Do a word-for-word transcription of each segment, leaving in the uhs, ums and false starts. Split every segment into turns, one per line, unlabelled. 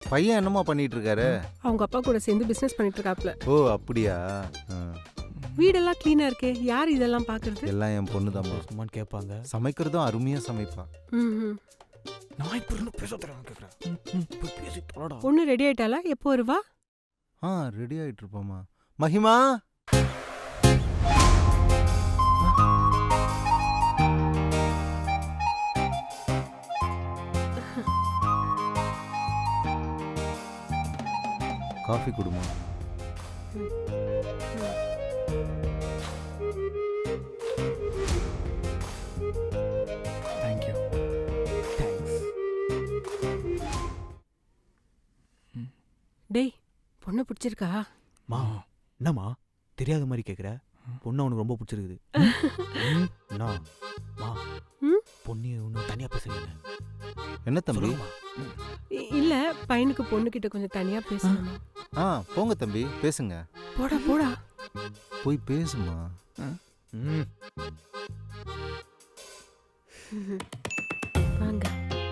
பையன் என்னமா பண்ணிட்டு இருக்காரு?
அவங்க அப்பா கூட சேர்ந்து பிசினஸ் பண்ணிட்டு இருக்காப்ல.
ஓ அப்படியா?
வீடெல்லாம் கிளீனா இருக்கே, யார் இதெல்லாம் பாக்குறது?
எல்லாம் என் பொண்ணு தான்.
சும்மான்னு கேட்பாங்க.
சமைக்கிறதும் அருமையா சமைப்பா.
ம்
நான் இப்போ இன்னும் பேச தரேன் கேட்குறேன். போய் பேசி தொலைடா.
பொண்ணு ரெடி ஆயிட்டாளா? எப்போ வருவா?
ஆ ரெடி ஆயிட்டு இருப்போமா. மகிமா காஃபி குடுமா.
தேங்க்யூ. தேங்க்ஸ்.
டேய், பொண்ணு பிடிச்சிருக்கா?
மா என்னம்மா தெரியாத மாதிரி கேட்குற? பொண்ணு அவனுக்கு ரொம்ப பிடிச்சிருக்குது. என்ன மா பொண்ணு ஒன்றும் தனியாக பேசுறீங்க?
என்ன தம்பி?
இ- இல்ல, பையனுக்கு பொண்ணு கிட்ட கொஞ்சம் தனியா பேசணும்.
ஆ போங்க தம்பி பேசுங்க.
போடா போடா.
போய் பேசுமா.
ம்
வாங்க.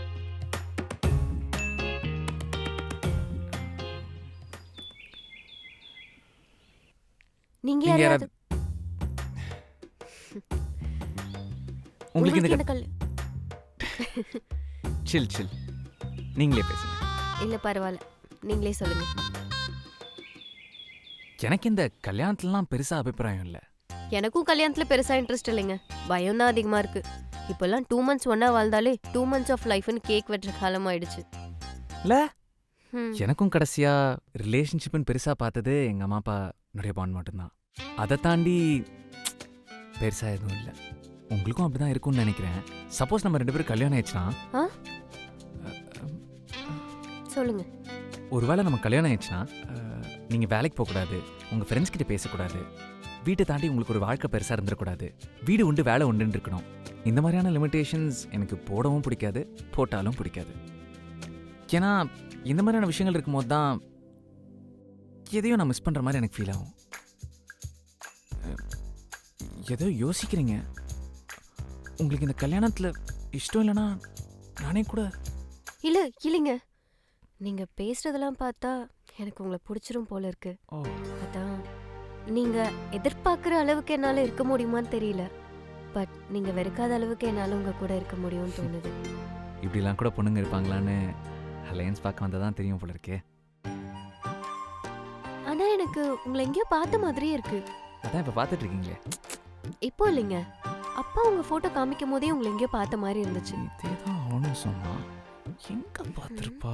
நீங்க
நீங்க
யாராவது
உங்களுக்கு இந்த
என்ன கல்
சில் சில் நீங்களே பேசுங்க.
இல்ல பரவாயில்ல, நீங்களே சொல்லுங்க.
எனக்கு இந்த கல்யாணத்துலலாம் பெருசா அபிப்பிராயம் இல்லை.
எனக்கும் கல்யாணத்துல பெருசா இன்ட்ரெஸ்ட் இல்லைங்க. பயம் தான் அதிகமா இருக்கு. இப்பெல்லாம் டூ மந்த்ஸ் ஒன்னா வாழ்ந்தாலே டூ மந்த்ஸ் ஆஃப் லைஃப்னு கேக் வெட்டுற காலம் ஆயிடுச்சு.
இல்ல
ம்.
எனக்கும் கடைசியா ரிலேஷன்ஷிப்னு பெருசா பார்த்தது எங்க அம்மா அப்பா நிறைய பாண்ட் மட்டும்தான். அதை தாண்டி பெருசா எதுவும் இல்லை. உங்களுக்கும் அப்படிதான் இருக்கும்னு நினைக்கிறேன். சப்போஸ் நம்ம ரெண்டு பேரும் கல்யாணம் ஆயிடுச்சுன்னா,
ஆ? சொல்லுங்க.
ஒருவேளை நம்ம கல்யாணம் ஆயிடுச்சுன்னா அஹ், நீங்க வேலைக்கு போகக்கூடாது, உங்க ஃப்ரெண்ட்ஸ் கிட்ட பேசக்கூடாது, வீட்டை தாண்டி உங்களுக்கு ஒரு வாழ்க்கை பெருசா இருந்துடக்கூடாது, வீடு உண்டு வேலை உண்டுன்னு இருக்கணும். இந்த மாதிரியான லிமிட்டேஷன்ஸ் எனக்கு போடவும் பிடிக்காது, போட்டாலும் பிடிக்காது. ஏன்னா இந்த மாதிரியான விஷயங்கள் இருக்கும்போது தான் எதையும் நான் மிஸ் பண்ற மாதிரி எனக்கு ஃபீல் ஆகும். அஹ், ஏதோ யோசிக்கிறீங்க. உங்களுக்கு இந்த கல்யாணத்துல இஷ்டம் இல்லைன்னா நானே கூட.
இல்ல இல்லைங்க, நீங்க பேசுறதெல்லாம் பார்த்தா எனக்கு உங்களை பிடிச்சிரும் போல இருக்கு.
ஓ
அதான் நீங்க எதிர்பார்க்குற அளவுக்கு என்னால இருக்க முடியுமான்னு தெரியல. பட் நீங்க வெறுக்காத அளவுக்கு என்னால உங்க கூட இருக்க முடியும்னு தோணுது.
இப்படிலாம் கூட பொண்ணுங்க இருப்பாங்களான்னு அலையன்ஸ் பார்க்க வந்தால் தான் தெரியும் போல இருக்கே.
ஆனா எனக்கு உங்களை எங்கேயோ பார்த்த மாதிரியே இருக்கு.
அதான் இப்போ பார்த்துட்டு இருக்கீங்களே.
இப்போ இல்லைங்க, அப்பா உங்க போட்டோ காமிக்கும் போதே உங்களை எங்கேயோ பார்த்த மாதிரி இருந்துச்சு.
இதே தான் அவனும் சொன்னான். எங்க பார்த்துருப்பா?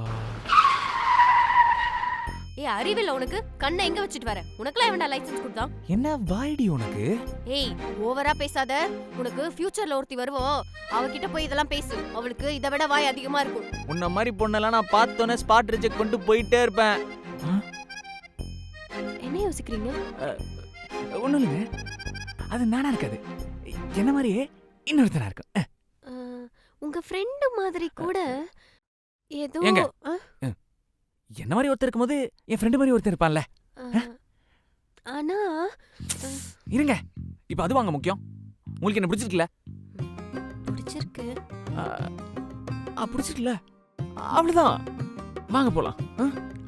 ஏய் அறிவில்ல உனக்கு? கண்ணை எங்க வச்சிட்டு வர? உனக்குலாம் எவன்டா லைசென்ஸ் கொடுத்தான்?
என்ன வாய்டி உனக்கு?
ஏய் ஓவரா பேசாத. உனக்கு ஃபியூச்சர்ல ஒருத்தி வருவோம், அவகிட்ட போய் இதெல்லாம் பேசு. அவளுக்கு இதை விட வாய் அதிகமா இருக்கும்.
உன்ன மாதிரி பொண்ணெல்லாம் நான் பார்த்தோன்னே ஸ்பாட் ரிஜெக்ட் கொண்டு போயிட்டே இருப்பேன்.
என்ன யோசிக்கிறீங்க?
ஒன்றும் இல்லைங்க, அது நானா இருக்காது, என்ன மாதிரியே இன்னொருத்தனா இருக்கும்.
அஹ், உங்க ஃப்ரெண்டு மாதிரி கூட ஏதோ
ஏங்க?
அஹ்,
என்ன மாதிரி ஒருத்தர் இருக்கும்போது என் ஃப்ரெண்டு மாதிரி ஒருத்தர் இருப்பான்ல.
அஹ், ஆனா அஹ்,
இருங்க, இப்போ அது வாங்க முக்கியம். உங்களுக்கு என்ன பிடிச்சிருக்குல்ல?
பிடிச்சிருக்கு.
ஆ பிடிச்சிருக்குல்ல? அவ்வளோதான், வாங்க போலாம்.